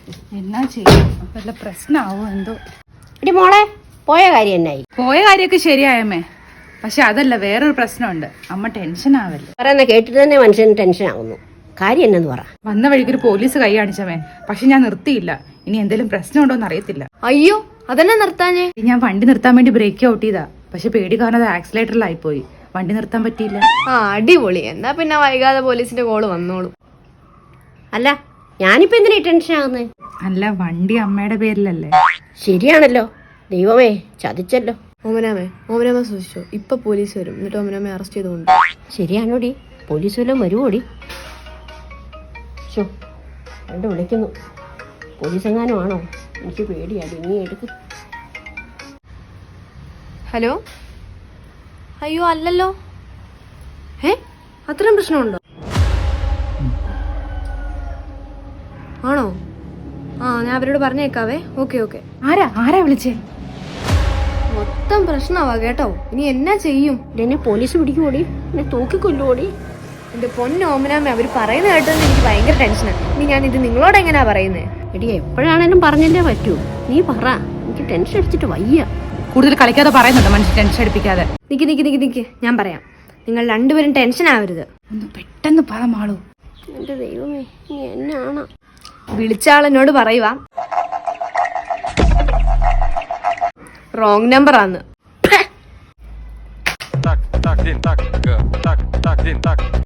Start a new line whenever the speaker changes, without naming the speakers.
എന്നാ ചെയ്യും, വല്ല പ്രശ്നമാവോ എന്തോ.
എടി മോളെ, പോയ കാര്യം എന്നായി?
പോയ കാര്യമൊക്കെ ശരിയായമ്മേ, പക്ഷെ അതല്ല, വേറൊരു പ്രശ്നമുണ്ട്. അമ്മ ടെൻഷൻ ആവല്ലേ.
പറയുന്ന കേട്ടിട്ട് തന്നെ മനുഷ്യന് ടെൻഷൻ ആവുന്നു. കാര്യം എന്നു പറ.
വന്ന വഴിക്ക് ഒരു പോലീസ് കൈ കാണിച്ചവേ, പക്ഷെ ഞാൻ നിർത്തിയില്ല. ഇനി എന്തെങ്കിലും പ്രശ്നമുണ്ടോ എന്ന് അറിയത്തില്ല.
അയ്യോ, അതെന്നെ നിർത്താഞ്ഞേ?
ഞാൻ വണ്ടി നിർത്താൻ വേണ്ടി ബ്രേക്ക് ഔട്ട് ചെയ്താ, പക്ഷെ പേടി കാരണം അത് ആക്സിലേറ്ററിലായിപ്പോയി. വണ്ടി നിർത്താൻ പറ്റിയില്ല.
ആ, അടിപൊളി. എന്നാ പിന്നെ വൈകാതെ പോലീസിന്റെ കോള് വന്നോളൂ.
അല്ല, ഞാനിപ്പോ എന്തിനാ ടെൻഷൻ ആകുന്നേ?
അല്ല, വണ്ടി അമ്മയുടെ പേരിലല്ലേ.
ശരിയാണല്ലോ. ദൈവമേ, ചതിച്ചല്ലോ.
ഓമനാമ സൂക്ഷിച്ചോ, ഇപ്പൊ പോലീസ് വരും. എന്നിട്ട് ഓമനാമയെ അറസ്റ്റ് ചെയ്തുകൊണ്ട്.
ശരിയാണോടി? പോലീസ് വല്ലതും വരുവോടി? രണ്ട് വിളിക്കുന്നു. പോലീസ് എങ്ങാനും ആണോ? എനിക്ക് പേടിയാടി. നീ എടുക്ക്.
ഹലോ. അയ്യോ അല്ലല്ലോ. അത്രയും പ്രശ്നമുണ്ടോ? ആണോ? ഞാൻ അവരോട് പറഞ്ഞേക്കാവേ. ഓക്കെ.
ആരാ വിളിച്ചേ?
മൊത്തം പ്രശ്നമാവാ കേട്ടോ. ഇനി എന്നാ ചെയ്യും?
എന്നെ പോലീസ് പിടിക്കുമോടി? എന്നെ തൂക്കിക്കൊല്ലുമോടി?
എന്റെ പൊന്നോമനാമ, അവര് പറയുന്ന കേട്ടതെന്ന് എനിക്ക് ഭയങ്കര ടെൻഷനാണ്. ഇനി ഞാൻ ഇത് നിങ്ങളോട് എങ്ങനെയാ പറയുന്നേ?
എടി, എപ്പോഴാണേലും പറഞ്ഞല്ലേ പറ്റൂ. നീ പറ, എനിക്ക് ടെൻഷൻ അടിച്ചിട്ട് വയ്യ.
കൂടുതൽ കളിക്കാതെ പറയുന്നുണ്ട് മനുഷ്യൻ, ടെൻഷൻ അടിപ്പിക്കാതെ.
നിക്ക്, ഞാൻ പറയാം. നിങ്ങൾ രണ്ടുപേരും ടെൻഷൻ ആവരുത്.
ഒന്ന് പെട്ടെന്ന് പറ മാളൂ.
എന്റെ ദൈവമേ, നീ എന്നാണ്?
വിളിച്ച ആളെന്നോട് പറയുക റോങ് നമ്പർ ആന്ന്.